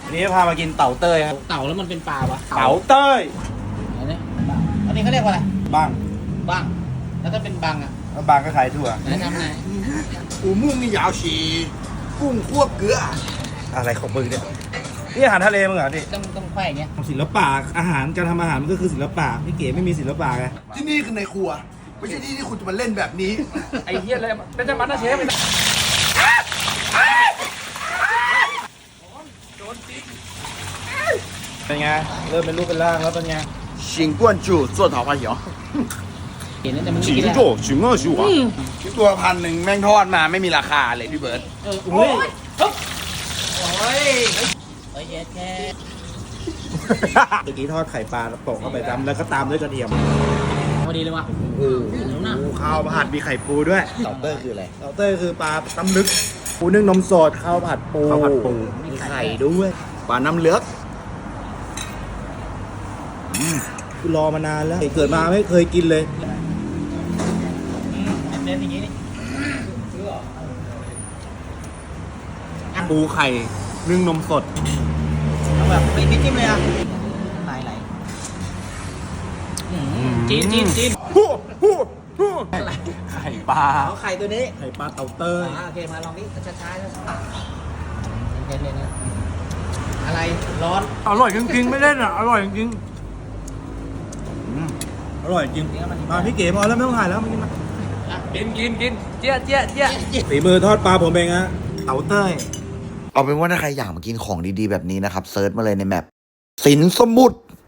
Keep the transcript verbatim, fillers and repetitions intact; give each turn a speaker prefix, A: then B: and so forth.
A: วันนี้พามากินเต่าเต้ยครับ
B: เต่าแล้วมันเป็นปลาวะ
A: เต่าเต้ย
B: อันนี้อันนี้เขาเรียกว่าอะไร
A: บ้าง
B: บ้างแล้วถ้าเป็นบังอ่ะ
A: แล้วบางก็ขายถั่ว
B: ไหนทำไง
C: 古木米瑶是共货格。
A: อะไรของมึงเนี่ยนี่อาหารทะเลมึงเหรอดิ
B: ต้องต้องไขว้อย่างเงี้ย
A: ศิลปะอาหารการทำอาหารมันก็คือศิลปะพี่เก๋ไม่มีศิลปะไง
C: ที่นี่คือในครัว ไม่ใช่ที่ที่คุณจะมาเล่นแบบนี้
D: ไอ้เหี้ยอะไรเป็นจะมันนะเชฟ
A: เป็นไงเริ่มเป็นรูปเป็นร่างแล้วเป็นไง
C: 请关注做桃花油。
B: เห็นแล้วแต่มันไม่กินแล้ว
C: 请二十五啊。ตัวพันหนึ่งแม่งทอดมาไม่มีราคาเลยพี่เบิร์ต
B: เอออุ้ยโอ้ยเฮ้ยเย็ดแค่
A: เมื่อกี้ทอดไข่ปลาโปะเข้าไปตามแล้วก็ตามด้วยกระเทียม
B: พอดีเลยว่ะ
A: โอ้โหข้าวผัดมีไข่ปูด้วย
C: เต่าเต้ยคืออะไร
A: เต่าเต้ยคือปลาตำลึกปูนึ่งนมสดข้าวผัดปู
C: ข้าวผัดปู
A: มีไข่ด้วย
C: ปลาน้ำเลือก
A: คือรอมานานแล้วเกิดมาไม่เคยกินเลย
B: เน้นอย่างงี้นี่
A: ปูไข่นึ่งนมสด
B: เอาแบบไม่ไม่จิ้มเลยอ่ะไหลไหลจีนจีนจีน
A: ฮู้ฮู้ฮู้ไข่ปลา
B: เอาไข่ตัวนี้
A: ไข่ปลาเต่าเต้ย
B: อ่าโอเคมาลองดิช้าๆช้าๆเน้นๆอะไรร้อน
A: อร่อยจริงๆไม่เล่นอ่ะอร่อยจริงอร่อยจริงมาพี่เก๋พอแล้วไม่ต้องถ่ายแล้วมากินมา
D: กินกินกินเจี๊ยเจี๊ยเจี๊ย
A: ฝีมือทอดปลาผมเองฮะเต่าเต้ย
E: เอาเป็นว่าถ้าใครอยากมากินของดีๆแบบนี้นะครับเซิร์ชมาเลยในแมปสินสมุทร